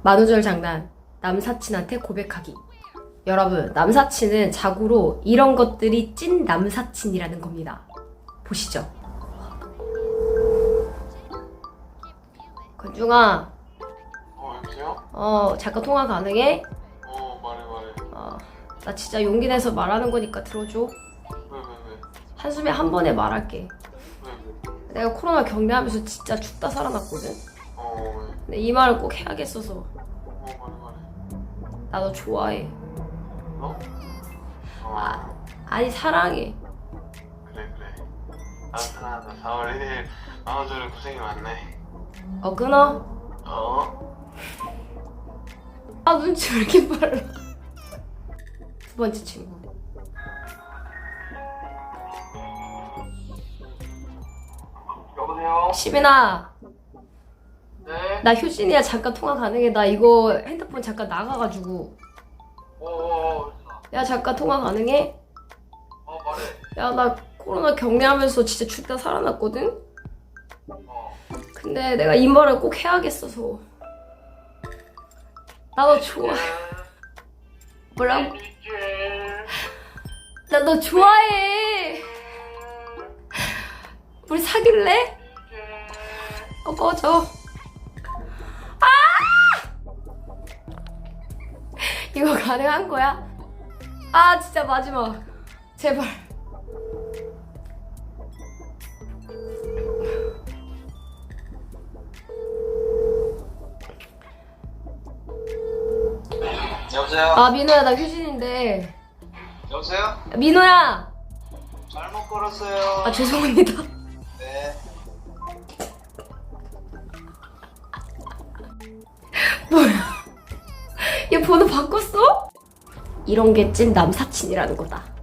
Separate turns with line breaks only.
만우절 장난, 남사친한테 고백하기. 여러분, 남사친은 자고로 이런 것들이 찐 남사친이라는 겁니다. 보시죠. 건중아.
여보세요?
잠깐 통화 가능해?
말해.
나 진짜 용기 내서 말하는 거니까 들어줘.
왜?
한숨에 한 번에 말할게.
왜?
내가 코로나 격리하면서 진짜 죽다 살아났거든?
왜?
근데 이 말을 꼭 해야겠어서.
말해.
나 너 좋아해.
너?
아니, 사랑해.
그래. 아무튼 4월 1일 만우절에 고생이 많네.
끊어? 눈치 왜 이렇게 빨라. 두 번째 친구.
여보세요?
시빈아,
네?
나 효진이야. 잠깐 통화 가능해? 나 이거 핸드폰 잠깐 나가가지고. 야, 잠깐 통화 가능해?
말해.
야, 나 코로나 격리하면서 진짜 죽다 살아났거든? 근데 내가 이 말을 꼭 해야겠어서. 나 너 좋아해. 뭐라고? 나 너 좋아해. 우리 사귈래? 꺼져. 이거 가능한 거야? 진짜 마지막. 제발.
여보세요?
민호야, 나 효진인데.
여보세요?
민호야!
잘못 걸었어요.
죄송합니다.
네.
뭐야? 얘 번호 바꿨어? 이런 게 찐 남사친이라는 거다.